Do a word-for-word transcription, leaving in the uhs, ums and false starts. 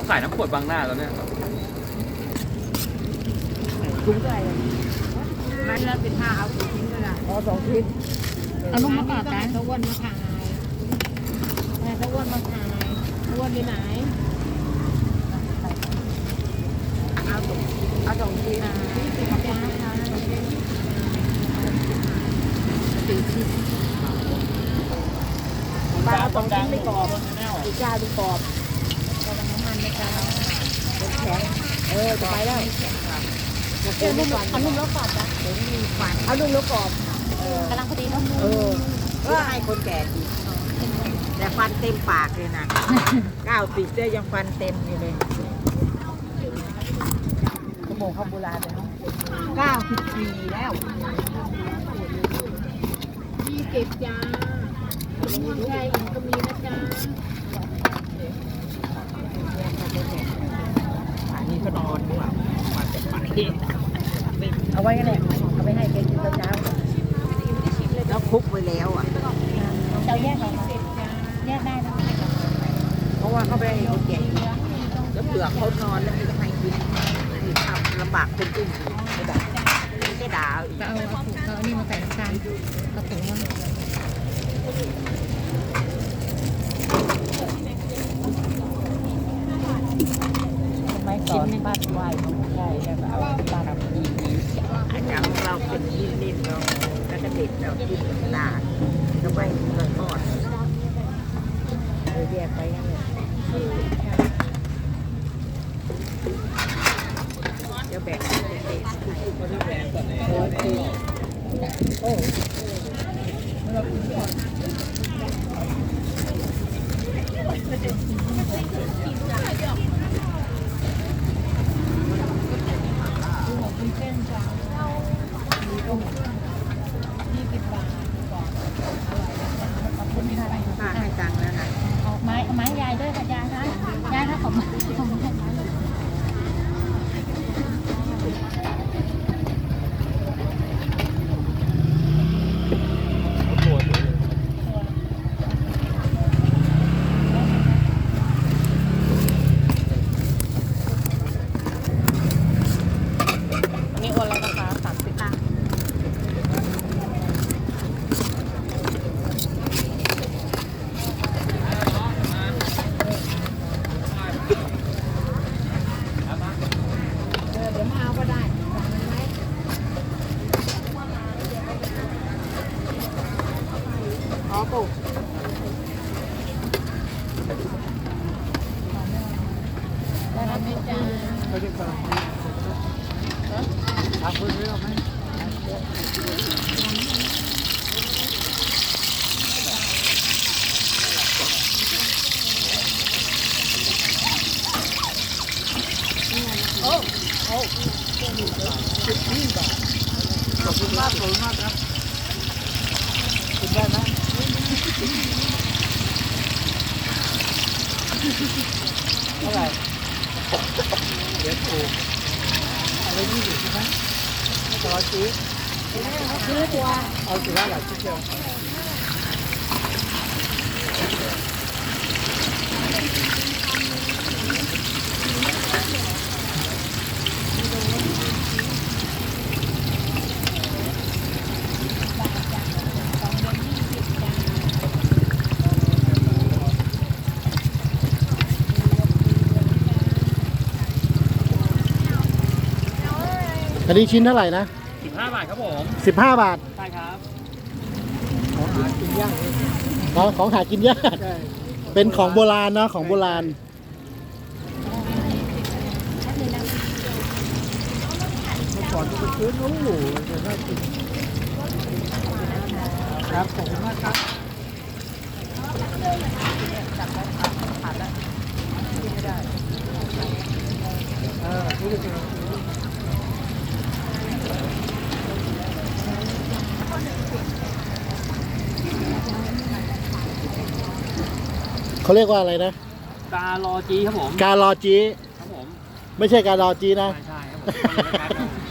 ขายน้ำขวดบางหน้าแล้วเนี่ยถุงเท่าไหร่มันละสิบห้าเอาสองชิ้นก็ได้เอาสองชิ้นเอาลูกมะกอกนะตะวันมาขายตะวันมาขายตะวันที่ไหนเอาสองเอาสองชิ้นสี่สิบจ้าสี่ชิ้นบ้านเอาสองชิ้นไม่กรอบอีกเจ้าดูกรอบกำลังน้ำมันในการแข็งเออจะไปแล้วเออนุ่มเอานุ่มแล้วกรอบจ้ะเดี๋ยวมีควันเอานุ่มแล้วกรอบกำลังพอดีนุ่มเออก็ให้คนแก่กินแต่ฟันเต็มปากเลยนะเก้าสิบได้ยังฟันเต็มอยู่เลยขโมยข้าวโบราณเลยเนาะเก้าสิบสี่แล้วยี่สิบจ้ามีใช่ก็มีนะจ้าอันนี้ก็นอนด้วยมาจากป่าเองเอาไว้กันแหละเอาไปให้แกกินตอนเช้าแล้วคลุกไว้แล้วอ่ะเราแยกออกมาแยกได้นะเพราะว่าเขาไปให้คนแก่กินแล้วเปลือกเขานอนแล้วไม่ต้องให้กินนี่ทำลำบากคนอื่นไม่ได้ไม่ด่าอีกเอาเอาเอาอันนี้มาใส่น้ำตาลกระปุกมันไม่สอนบ้านไหวของใช่แต่เอาบ้านเราดีดีอาจารย์ของเราเป็นนิ่มๆเราก็จะเด็ดเรากินตาทำไมเราทอดเลยแยกไปนั่นเลยเดี๋ยวแบ่งเด็ดโอ้โหโอ้ป้าให้ตังค์แล้วนะเอาไม้เอาไม้ยายด้วยค่ะยายนะยายนะผมผมให้ไม้อันนี้โอนแล้วนะคะสามสิบตังค์อ๋อปุ๊บได้รับไม่จ้าเขาเรียกว่าทำเพื่อเรื่องไหมโอ้โอ้สิบยี่บาทขอบคุณมากขอบคุณมากครับกินได้ไหมเท่าไหร่เดี๋ยวถูกอะไรยี่สิบใช่ไหมต่อซื้อซื้อตัวเอาสิบห้าบาทชิ้นเดียวอันนี้ชิ้นเท่าไหร่นะสิบห้าบาทครับผมสิบห้าบาทใช่ครับของหากินยากของหากินยากเป็นของโบราณนะของโบราณก่อนจะไปซื้อนู้นจะได้กินครับขอบคุณมากครับจับไปผ่านแล้วกินไม่ได้เออรู้จักเขาเรียกว่าอะไรนะกาลอจีครับผมการรอจีครับผมไม่ใช่การรอจีนะใช่ใช่ครับผม